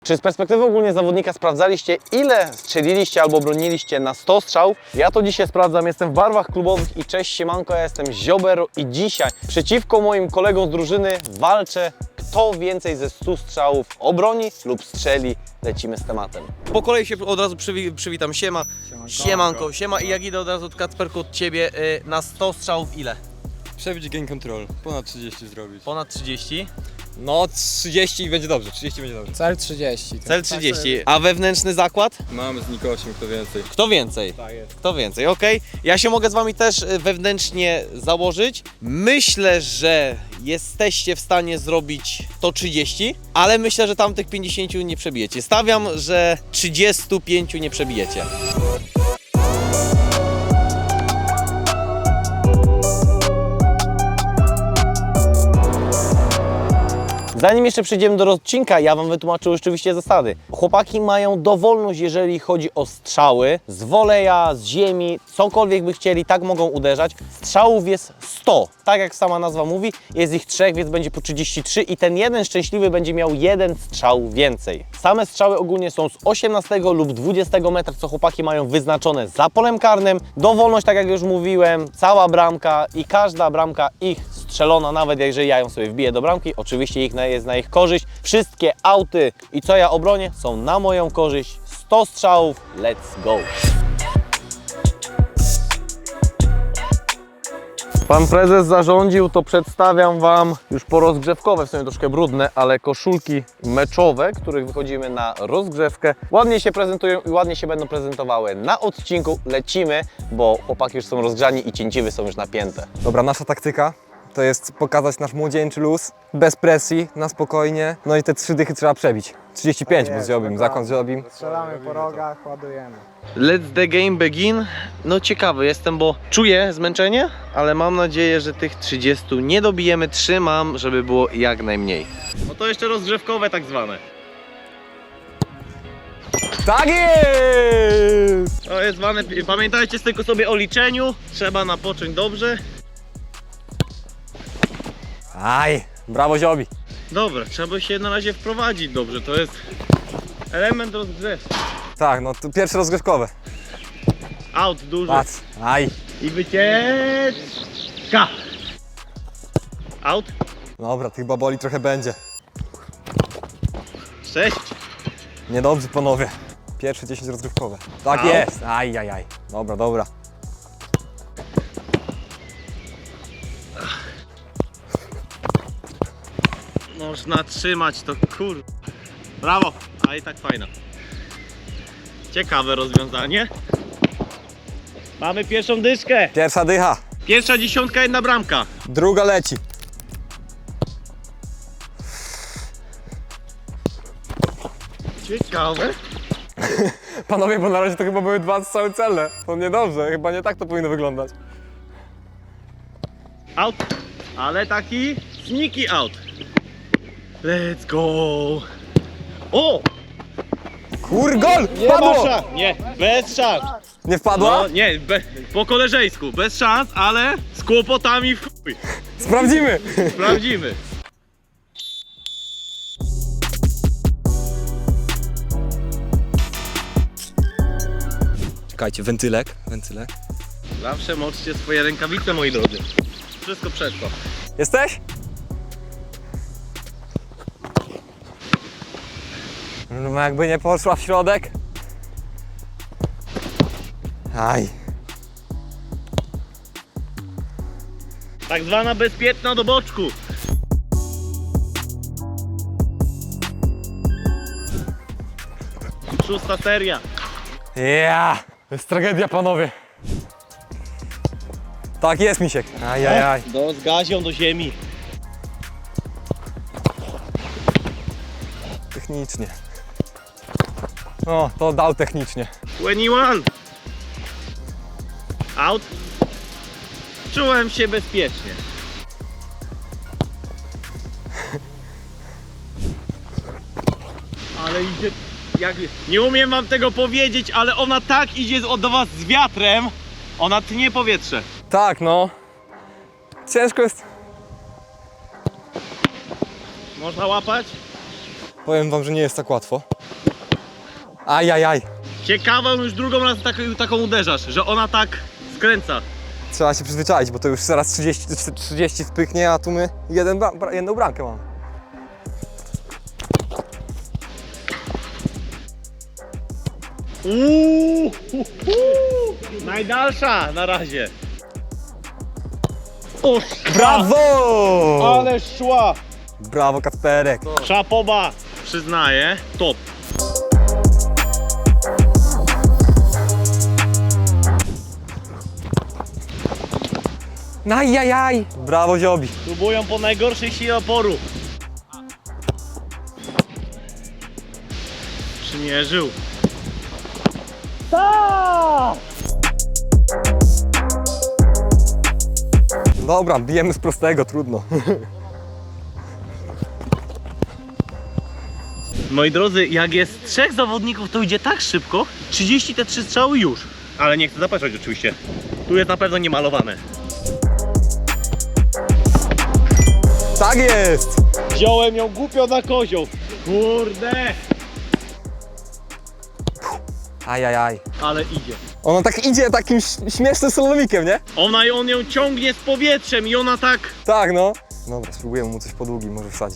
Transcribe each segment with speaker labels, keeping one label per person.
Speaker 1: Czy z perspektywy ogólnie zawodnika sprawdzaliście, ile strzeliliście albo broniliście na 100 strzał? Ja to dzisiaj sprawdzam, jestem w barwach klubowych i cześć siemanko, ja jestem Ziobero i dzisiaj przeciwko moim kolegom z drużyny walczę, kto więcej ze 100 strzałów obroni lub strzeli. Lecimy z tematem. Po kolei się od razu przywitam. Siema. Siemanko. Siema i jak idę od razu od Kacperku od Ciebie na 100 strzałów ile?
Speaker 2: Przebić gain control, ponad 30 zrobić.
Speaker 1: Ponad 30.
Speaker 2: No 30 i będzie dobrze, 30 będzie dobrze.
Speaker 3: Cel 30.
Speaker 1: Cel 30. A wewnętrzny zakład?
Speaker 2: Mamy z Nikosiem, kto więcej.
Speaker 1: Kto więcej?
Speaker 3: Tak jest.
Speaker 1: Kto więcej, okej. Ja się mogę z Wami też wewnętrznie założyć. Myślę, że jesteście w stanie zrobić to 30, ale myślę, że tamtych 50 nie przebijecie. Stawiam, że 35 nie przebijecie. Zanim jeszcze przejdziemy do odcinka, ja Wam wytłumaczę oczywiście zasady. Chłopaki mają dowolność, jeżeli chodzi o strzały. Z woleja, z ziemi, cokolwiek by chcieli, tak mogą uderzać. Strzałów jest 100, tak jak sama nazwa mówi. Jest ich 3, więc będzie po 33 i ten jeden szczęśliwy będzie miał jeden strzał więcej. Same strzały ogólnie są z 18 lub 20 metra, co chłopaki mają wyznaczone za polem karnym. Dowolność, tak jak już mówiłem, cała bramka i każda bramka ich strzelona, nawet jeżeli ja ją sobie wbiję do bramki, oczywiście jest na ich korzyść. Wszystkie auty i co ja obronię są na moją korzyść. 100 strzałów, let's go! Pan prezes zarządził, to przedstawiam Wam już porozgrzewkowe, w sumie troszkę brudne, ale koszulki meczowe, których wychodzimy na rozgrzewkę. Ładnie się prezentują i ładnie się będą prezentowały na odcinku. Lecimy, bo chłopaki już są rozgrzani i cięciwy są już napięte.
Speaker 4: Dobra, nasza taktyka to jest pokazać nasz młodzieńczy luz, bez presji, na spokojnie. No i te 3 dychy trzeba przebić. 35, bo zrobimy, zakąt zrobimy.
Speaker 3: Strzelamy po rogach, ładujemy.
Speaker 1: Let's the game begin. No ciekawy jestem, bo czuję zmęczenie, ale mam nadzieję, że tych 30 nie dobijemy. Trzymam, żeby było jak najmniej. No to jeszcze rozgrzewkowe tak zwane.
Speaker 4: Tak jest!
Speaker 1: To jest zwane, pamiętajcie tylko sobie o liczeniu. Trzeba napocząć dobrze.
Speaker 4: Aj, brawo Ziobi.
Speaker 1: Dobra, trzeba się na razie wprowadzić dobrze. To jest element rozgrzewki.
Speaker 4: Tak, no tu pierwsze rozgrzewkowe.
Speaker 1: Out duży.
Speaker 4: Patrz, aj.
Speaker 1: I wycieczka. Out.
Speaker 4: Dobra, tych baboli trochę będzie.
Speaker 1: 6.
Speaker 4: Niedobrze panowie. Pierwsze 10 rozgrywkowe. Tak
Speaker 1: Au.
Speaker 4: jest. Aj, aj, aj. Dobra, dobra.
Speaker 1: Można trzymać to, kur... Brawo, a i tak fajna. Ciekawe rozwiązanie. Mamy pierwszą dyszkę.
Speaker 4: Pierwsza dycha.
Speaker 1: Pierwsza dziesiątka, jedna bramka.
Speaker 4: Druga leci.
Speaker 1: Ciekawe.
Speaker 4: Panowie, bo na razie to chyba były 2 strzały celne. To niedobrze, chyba nie tak to powinno wyglądać.
Speaker 1: Out. Ale taki sneaky out. Let's go. O!
Speaker 4: Kur, gol!
Speaker 1: Nie
Speaker 4: Padło!
Speaker 1: ma szans. Nie, bez szans.
Speaker 4: Nie wpadła?
Speaker 1: No nie, po koleżeńsku, bez szans, ale z kłopotami w chuj.
Speaker 4: Sprawdzimy!
Speaker 1: Sprawdzimy.
Speaker 4: Czekajcie, wentylek.
Speaker 1: Zawsze moczcie swoje rękawice, moi drodzy. Wszystko przeszło.
Speaker 4: Jesteś? No jakby nie poszła w środek. Aj.
Speaker 1: Tak zwana bezpieczna do boczku. Szósta seria.
Speaker 4: Ja! To jest tragedia, panowie. Tak jest, Misiek. Aj, aj, aj.
Speaker 1: Z gazią do ziemi.
Speaker 4: Technicznie. O, to dał technicznie.
Speaker 1: 21. Out. Czułem się bezpiecznie. Ale idzie... Nie umiem wam tego powiedzieć, ale ona tak idzie do was z wiatrem. Ona tnie powietrze.
Speaker 4: Tak, no. Ciężko jest.
Speaker 1: Można łapać?
Speaker 4: Powiem wam, że nie jest tak łatwo. Ajajaj.
Speaker 1: Ciekawą już drugą raz taką uderzasz, że ona tak skręca.
Speaker 4: Trzeba się przyzwyczaić, bo to już zaraz 30 spychnie, a tu my jedną bramkę mamy.
Speaker 1: Najdalsza na razie.
Speaker 4: Brawo!
Speaker 1: Ale szła!
Speaker 4: Brawo, Kacperek.
Speaker 1: Szapoba! Przyznaję, top.
Speaker 4: Ajajaj. Brawo, Ziobi.
Speaker 1: Próbują po najgorszej sile oporu. Przymierzył.
Speaker 4: Dobra, bijemy z prostego, trudno.
Speaker 1: Moi drodzy, jak jest 3 zawodników, to idzie tak szybko. 30 te 3 strzały już. Ale nie chcę zapeszać oczywiście. Tu jest na pewno niemalowane.
Speaker 4: Tak jest!
Speaker 1: Wziąłem ją głupio na kozioł. Kurde!
Speaker 4: Ajajaj.
Speaker 1: Ale idzie.
Speaker 4: Ona tak idzie takim śmiesznym solomikiem, nie?
Speaker 1: On ją ciągnie z powietrzem i ona tak...
Speaker 4: Tak, no. Dobra, spróbujemy mu coś po długim, może wsadzić.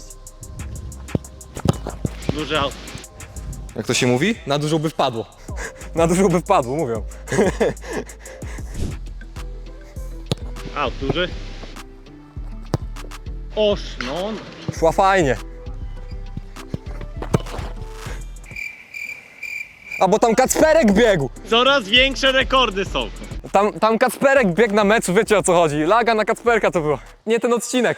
Speaker 1: Duży aut.
Speaker 4: Jak to się mówi? Na dużo by wpadło. Na dużo by wpadło, mówią.
Speaker 1: Aut duży. Oż, no.
Speaker 4: Szła fajnie. A bo tam Kacperek biegł!
Speaker 1: Coraz większe rekordy są.
Speaker 4: Tam Kacperek biegł na meczu, wiecie o co chodzi. Laga na Kacperka to było. Nie ten odcinek.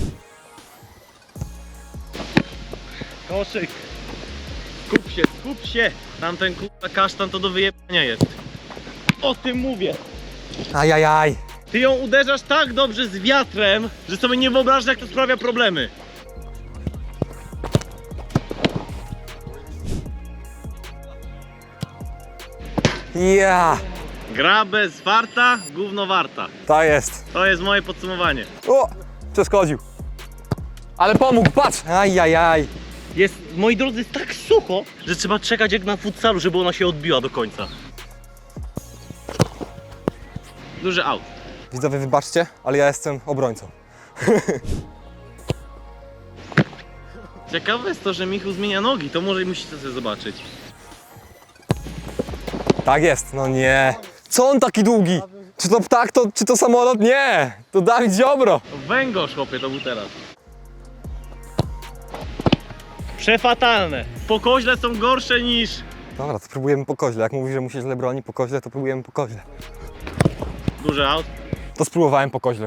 Speaker 1: Koszyk. Skup się. Tamten kurwa kasztan to do wyjebania jest. O tym mówię.
Speaker 4: Ajajaj.
Speaker 1: Ty ją uderzasz tak dobrze z wiatrem, że sobie nie wyobrażasz, jak to sprawia problemy.
Speaker 4: Ja.
Speaker 1: Gra bez warta, gówno warta.
Speaker 4: Ta jest.
Speaker 1: To jest moje podsumowanie.
Speaker 4: O! Przeszkodził. Ale pomógł, patrz! Ajajaj.
Speaker 1: Jest, moi drodzy, jest tak sucho, że trzeba czekać jak na futsalu, żeby ona się odbiła do końca. Duży aut.
Speaker 4: Widzowie, wybaczcie, ale ja jestem obrońcą.
Speaker 1: Ciekawe jest to, że Michał zmienia nogi, to może musicie sobie zobaczyć.
Speaker 4: Tak jest, no nie. Co on taki długi? Czy to ptak, czy to samolot? Nie! To Dawid Ziobro.
Speaker 1: Węgorz, chłopie, to był teraz. Przefatalne. Po koźle są gorsze niż...
Speaker 4: Dobra, to próbujemy po koźle. Jak mówi, że mu się źle broni po koźle, to próbujemy po koźle.
Speaker 1: Duży aut.
Speaker 4: To spróbowałem po koźle.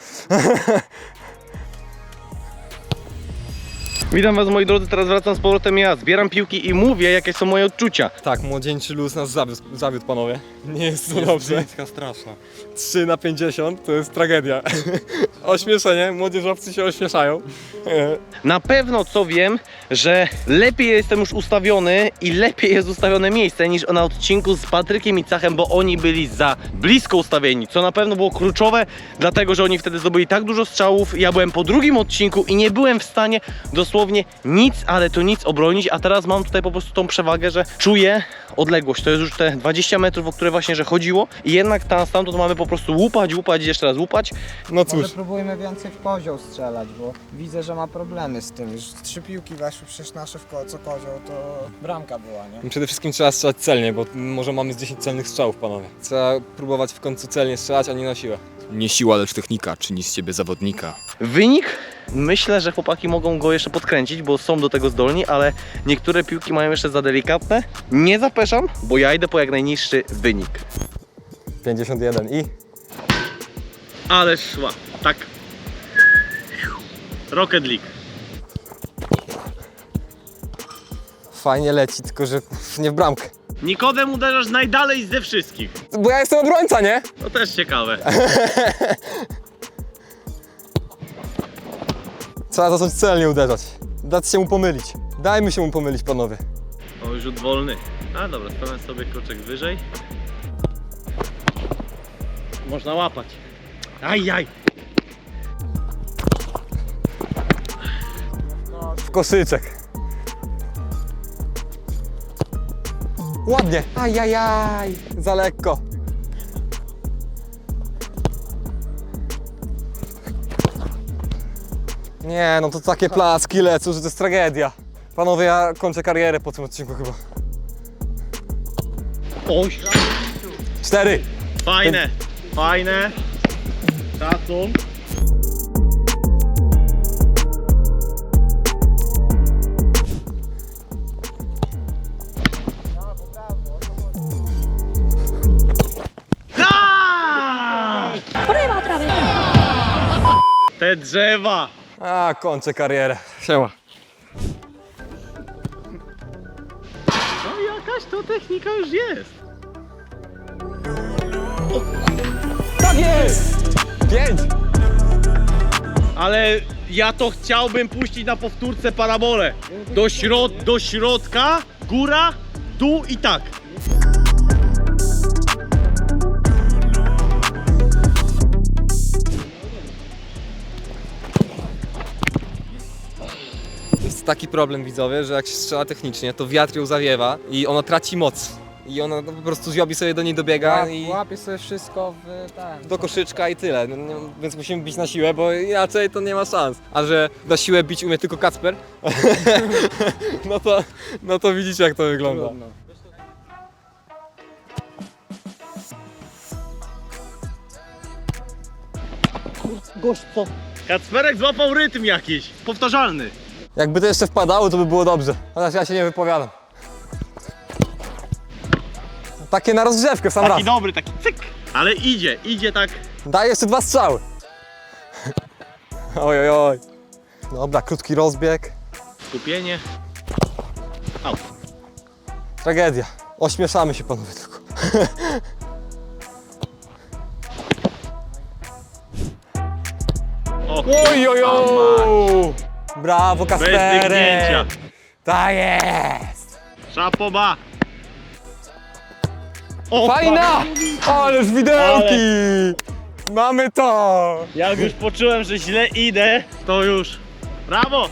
Speaker 1: Witam was, moi drodzy, teraz wracam z powrotem ja. Zbieram piłki i mówię, jakie są moje odczucia.
Speaker 4: Tak, młodzieńczy luz nas zawiódł, panowie. Nie jest to
Speaker 2: Jest
Speaker 4: dobrze.
Speaker 2: brzydka, straszna.
Speaker 4: 3/50 to jest tragedia. Ośmieszenie, młodzieżowcy się ośmieszają.
Speaker 1: Na pewno co wiem, że lepiej jestem już ustawiony i lepiej jest ustawione miejsce niż na odcinku z Patrykiem i Cachem, bo oni byli za blisko ustawieni, co na pewno było kluczowe, dlatego że oni wtedy zdobyli tak dużo strzałów. Ja byłem po drugim odcinku i nie byłem w stanie dosłownie nic, ale to nic obronić, a teraz mam tutaj po prostu tą przewagę, że czuję odległość. To jest już te 20 metrów, o które właśnie że chodziło i jednak stamtąd mamy po prostu łupać, jeszcze raz łupać.
Speaker 4: No cóż.
Speaker 3: Może próbujmy więcej w kozioł strzelać, bo widzę, że ma problemy z tym. Już 3 piłki weszły przecież nasze co kozioł, to bramka była, nie?
Speaker 4: Przede wszystkim trzeba strzelać celnie, bo może mamy z 10 celnych strzałów, panowie. Trzeba próbować w końcu celnie strzelać, a nie na siłę.
Speaker 2: Nie siła, lecz technika czyni z ciebie zawodnika.
Speaker 1: Wynik? Myślę, że chłopaki mogą go jeszcze podkręcić, bo są do tego zdolni, ale niektóre piłki mają jeszcze za delikatne. Nie zapeszam, bo ja idę po jak najniższy wynik.
Speaker 4: 51 i...
Speaker 1: Ale szła, tak. Rocket League.
Speaker 4: Fajnie leci, tylko że nie w bramkę.
Speaker 1: Nikodem uderzasz najdalej ze wszystkich.
Speaker 4: Bo ja jestem obrońca, nie?
Speaker 1: To też ciekawe.
Speaker 4: Trzeba zacząć celnie uderzać. Dać się mu pomylić. Dajmy się mu pomylić, panowie.
Speaker 1: O, rzut wolny. A dobra, stanę sobie kroczek wyżej. Można łapać. Ajaj.
Speaker 4: W koszyczek. Ładnie. Ajajaj. Za lekko. Nie, no to takie plaski lecą, że to jest tragedia. Panowie, ja kończę karierę po tym odcinku chyba. 4.
Speaker 1: Fajne, fajne. Szacun.
Speaker 5: Prueba otra vez.
Speaker 1: Te drzewa.
Speaker 4: A, kończę karierę. Siema.
Speaker 1: No jakaś to technika już jest.
Speaker 4: Tak jest! 5.
Speaker 1: Ale ja to chciałbym puścić na powtórce parabolę. Do środka, góra, dół i tak.
Speaker 4: Jest taki problem, widzowie, że jak się strzela technicznie, to wiatr ją zawiewa i ona traci moc. I ona no, po prostu Ziobi sobie do niej dobiega i
Speaker 3: Łapie sobie wszystko w ten.
Speaker 4: do koszyczka i tyle. No, więc musimy bić na siłę, bo inaczej to nie ma szans. A że na siłę bić umie tylko Kacper, no to widzicie, jak to wygląda.
Speaker 3: Trudno.
Speaker 1: Kacperek złapał rytm jakiś, powtarzalny.
Speaker 4: Jakby to jeszcze wpadało, to by było dobrze. Chociaż ja się nie wypowiadam. Takie na rozgrzewkę w sam raz.
Speaker 1: Taki dobry, taki cyk. Ale idzie tak.
Speaker 4: Daj jeszcze 2 strzały. Oj, oj, oj. Dobra, krótki rozbieg.
Speaker 1: Skupienie. Out.
Speaker 4: Tragedia. Ośmieszamy się, panowie, tylko.
Speaker 1: O,
Speaker 4: Oj, oj, oj. Brawo,
Speaker 1: bez
Speaker 4: Kasperek.
Speaker 1: dygnięcia.
Speaker 4: Tak jest.
Speaker 1: Szapoba. O,
Speaker 4: Fajna! Ależ widełki! Mamy to!
Speaker 1: Jak już poczułem, że źle idę, to już. Brawo!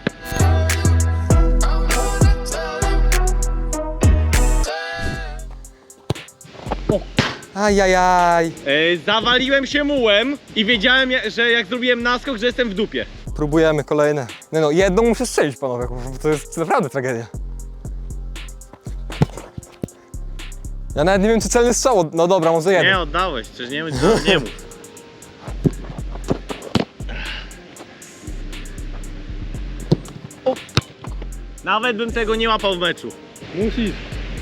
Speaker 4: Ajajaj.
Speaker 1: Zawaliłem się mułem i wiedziałem, że jak zrobiłem naskok, że jestem w dupie.
Speaker 4: Próbujemy kolejne. Nie no, jedną muszę strzelić, panowie, bo to jest naprawdę tragedia. Ja nawet nie wiem, czy celny strzał. No dobra, może jeden.
Speaker 1: Nie oddałeś, przecież nie mów. O. Nawet bym tego nie łapał w meczu. Musisz.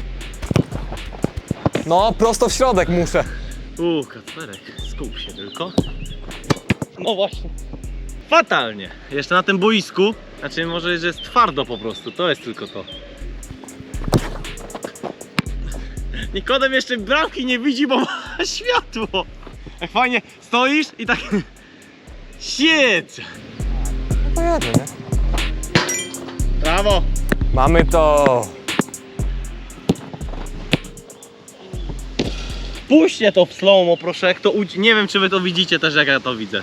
Speaker 4: No, prosto w środek muszę.
Speaker 1: Kacperek, skup się tylko. No właśnie. Fatalnie. Jeszcze na tym boisku, znaczy może, że jest twardo po prostu, to jest tylko to. Nikodem jeszcze bramki nie widzi, bo ma światło. Jak fajnie stoisz i tak... Shit!
Speaker 4: No to jedno, nie?
Speaker 1: Brawo!
Speaker 4: Mamy to.
Speaker 1: Puśćcie to w slow-mo, proszę, jak to nie wiem, czy wy to widzicie też, jak ja to widzę.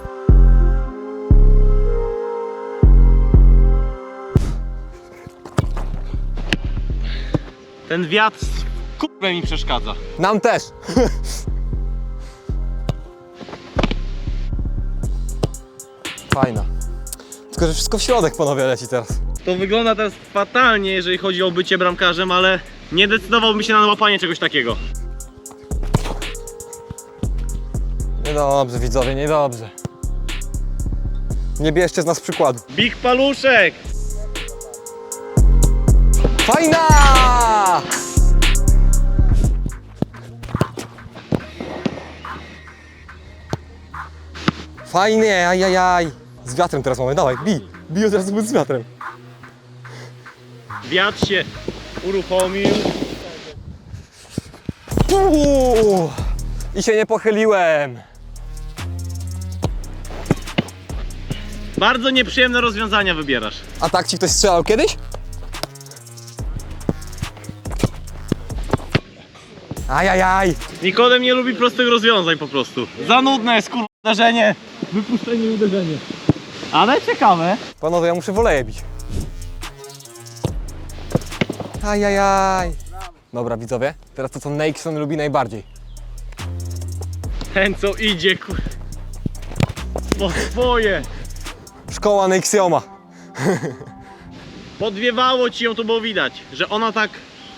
Speaker 1: Ten wiatr kurwa mi przeszkadza.
Speaker 4: Nam też. Fajna. Tylko, że wszystko w środek, panowie, leci teraz.
Speaker 1: To wygląda teraz fatalnie, jeżeli chodzi o bycie bramkarzem, ale nie decydowałbym się na łapanie czegoś takiego.
Speaker 4: Niedobrze, widzowie, niedobrze. Nie bierzcie z nas przykładu.
Speaker 1: Big paluszek!
Speaker 4: Fajna! Fajnie, ajajaj. Z wiatrem teraz mamy, dawaj, bij. Bij od razu z wiatrem.
Speaker 1: Wiatr się uruchomił.
Speaker 4: I się nie pochyliłem.
Speaker 1: Bardzo nieprzyjemne rozwiązania wybierasz.
Speaker 4: A tak ci ktoś strzelał kiedyś? Ajajaj.
Speaker 1: Nikodem nie lubi prostych rozwiązań po prostu. Za nudne jest kurwa uderzenie. Wypuszczenie i uderzenie. Ale ciekawe.
Speaker 4: Panowie, ja muszę woleje bić. Ajajaj. Dobra, widzowie, teraz to co Nexon lubi najbardziej.
Speaker 1: Ten co idzie, po swoje.
Speaker 4: Szkoła Nexioma.
Speaker 1: Podwiewało ci ją, to było widać, że ona tak...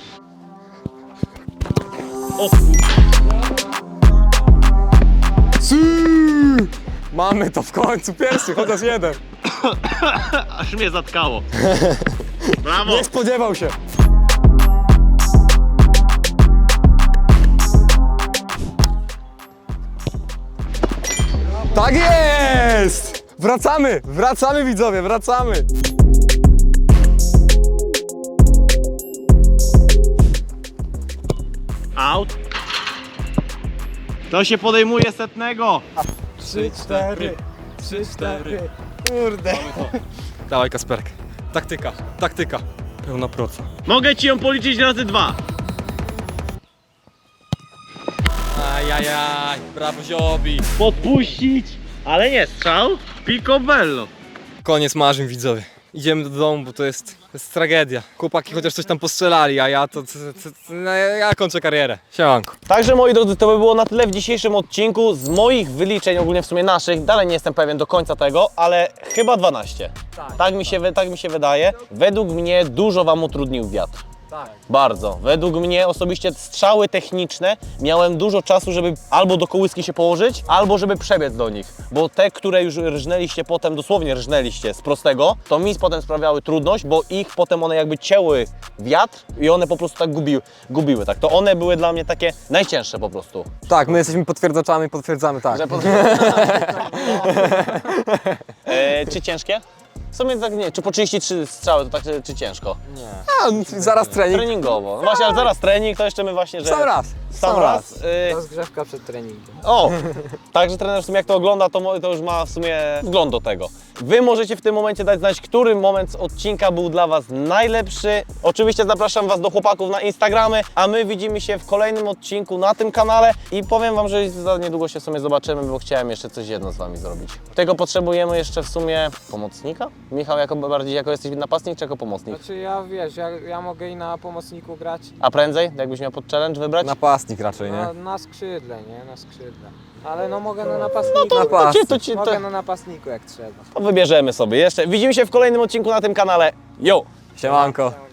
Speaker 1: O
Speaker 4: Mamy to w końcu, pierwszy, chociaż jeden.
Speaker 1: aż mnie zatkało. Brawo!
Speaker 4: Nie spodziewał się. Tak jest! Wracamy, wracamy widzowie, wracamy.
Speaker 1: Out. To się podejmuje setnego.
Speaker 3: 3, 4, 3, 4. Kurde.
Speaker 4: Dawaj Kasperek. Taktyka, taktyka. Pełna proca.
Speaker 1: Mogę ci ją policzyć razy 2.
Speaker 4: Ajajaj, brawo Ziobi.
Speaker 1: Podpuścić, ale nie strzał. Picobello.
Speaker 4: Koniec marzeń widzowie. Idziemy do domu, bo to jest tragedia. Chłopaki chociaż coś tam postrzelali, a ja no, ja kończę karierę. Siemanko.
Speaker 1: Także moi drodzy, to by było na tyle w dzisiejszym odcinku. Z moich wyliczeń, ogólnie w sumie naszych, dalej nie jestem pewien do końca tego, ale chyba 12. Tak mi się wydaje. Według mnie dużo wam utrudnił wiatr.
Speaker 3: Tak.
Speaker 1: Bardzo. Według mnie osobiście strzały techniczne miałem dużo czasu, żeby albo do kołyski się położyć, albo żeby przebiec do nich. Bo te, które już rżnęliście potem, dosłownie rżnęliście z prostego, to mi potem sprawiały trudność, bo ich potem one jakby cięły wiatr i one po prostu tak gubiły. Tak. To one były dla mnie takie najcięższe po prostu.
Speaker 4: Tak, my jesteśmy potwierdzaczami, potwierdzamy tak.
Speaker 1: Czy ciężkie? W sumie tak nie, czy po 33 strzały to tak, czy ciężko?
Speaker 4: A, zaraz trening.
Speaker 1: Treningowo. No właśnie, ale zaraz trening, to jeszcze my właśnie, że...
Speaker 4: Sam raz.
Speaker 1: Sam raz.
Speaker 3: Rozgrzewka przed treningiem.
Speaker 1: O! Także trener w sumie jak to ogląda, to już ma w sumie wgląd do tego. Wy możecie w tym momencie dać znać, który moment z odcinka był dla Was najlepszy. Oczywiście zapraszam Was do chłopaków na Instagramy, a my widzimy się w kolejnym odcinku na tym kanale i powiem Wam, że za niedługo się w sumie zobaczymy, bo chciałem jeszcze coś jedno z Wami zrobić. Tego potrzebujemy jeszcze w sumie pomocnika? Michał, jako jesteś napastnik czy jako pomocnik?
Speaker 3: Znaczy ja wiesz, ja mogę i na pomocniku grać.
Speaker 1: A prędzej, jakbyś miał pod challenge wybrać?
Speaker 4: Napastnik raczej, nie?
Speaker 3: Na skrzydle, nie? Na skrzydle. Ale no mogę na napastniku. Mogę na napastniku jak trzeba.
Speaker 1: To wybierzemy sobie jeszcze. Widzimy się w kolejnym odcinku na tym kanale. Yo!
Speaker 4: Siemanko.